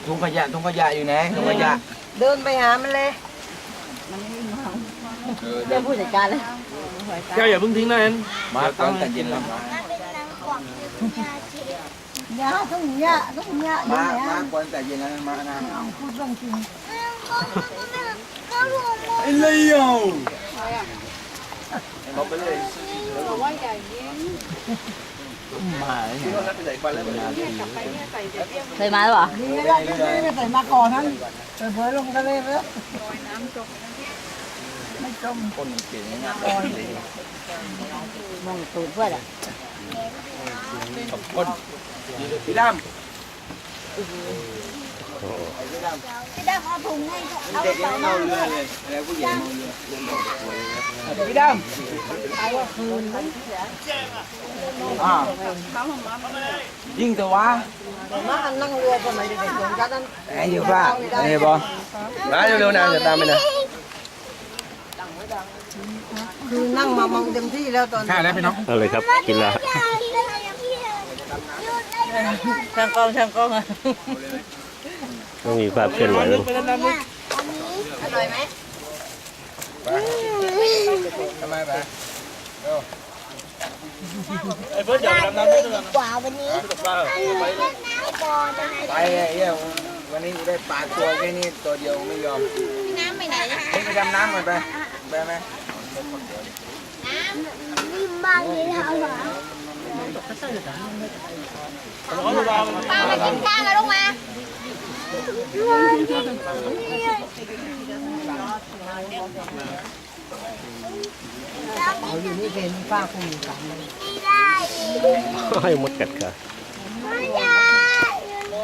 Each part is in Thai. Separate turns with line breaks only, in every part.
ถุงขยะอยู่ไหนถุงขยะ
เดินไปหามันเลยเดี๋ยวผู้จัดการเลย
แก้วอย่าเพิ่งทิ้งนะเอ็น
มาตอนแต่เย็นแล้ว
ยาต้องยา
มาก่อนแต่เย็นแล้วมานะ
พูดเรื่องจริง
ไอ้เลี้ยวเขาไปเลยมา
เคยมาหรือเปล่าไม่ใส่มาก่อนนั้นเผยลงทะเลไปแล้วน้ำจมไม่จม
คนเก่งนะ
มองตูดเพื่อนอ่ะ
คนพี่ดำ
เอาถุงให้
เด็กยังเอาเรือเลยแล้วผู้ใหญ่เอาเรือพี่ดำยิ่งแต่ว่า
มานั่งเรือสมัยเด็กๆของฉันนั้น
ไอ้อยู่ป่ะไอ้บอมาเร็วๆนะจะตามไปนะ
คือนั่งมามองเต็มที่แล้วตอน
ข้าแล้วพี่น้อง
เอาเลยครับกินละ
ช่างกล้องอ่ะ
ต้องมีภาพเคลื่อนไหวด้วย
อร่อยไหม
ทำไมไป
ไอ้เฟิร์สอยากไปดำน้ำด้วยกัน
กว่าวันนี้
ไปไอ้เหี้ยวันนี้กูได้ปลาตัวแค่นี้ตัวเดียวไม่ยอม
น้ำไปไหนนะ
ไปดำน้ำก่อนไปไหม
น้ำนิ่มมากเลยค่ะป้ามากินข้าวกันลูกมา
เอาอยู่นี่เป็นป้าคงอยู่สามเลย
ให้มดกัดค่ะ
ไม่ได้อยู่นี่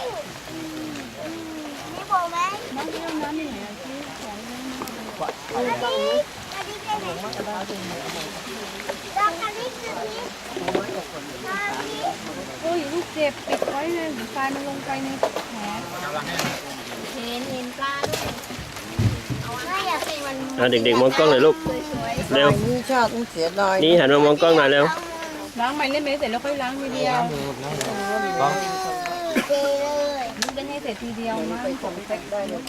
นี่บอกไหมน้ำที่น้ำนี่ไหนที่ของอันนี้เป็นไหนดอกอันนี้คือนี้
โอ้ยลูกเจ็บปิดไว้เลยไฟมันลงไปในแผล
เห็นปลาด้วยไม่อยากให้มัน
เด็กๆมองกล้องหน่อยลูกเร็ว
นี่ชอบต้องเสียดาย
นี่หันมามองกล้องหน่อยเร็ว
ล้างใหม่เล่นไหมเสร็จแล้วค่อยล้างทีเดียว
เจเลย
นี่เป็นให้เสร็จทีเดียวนะ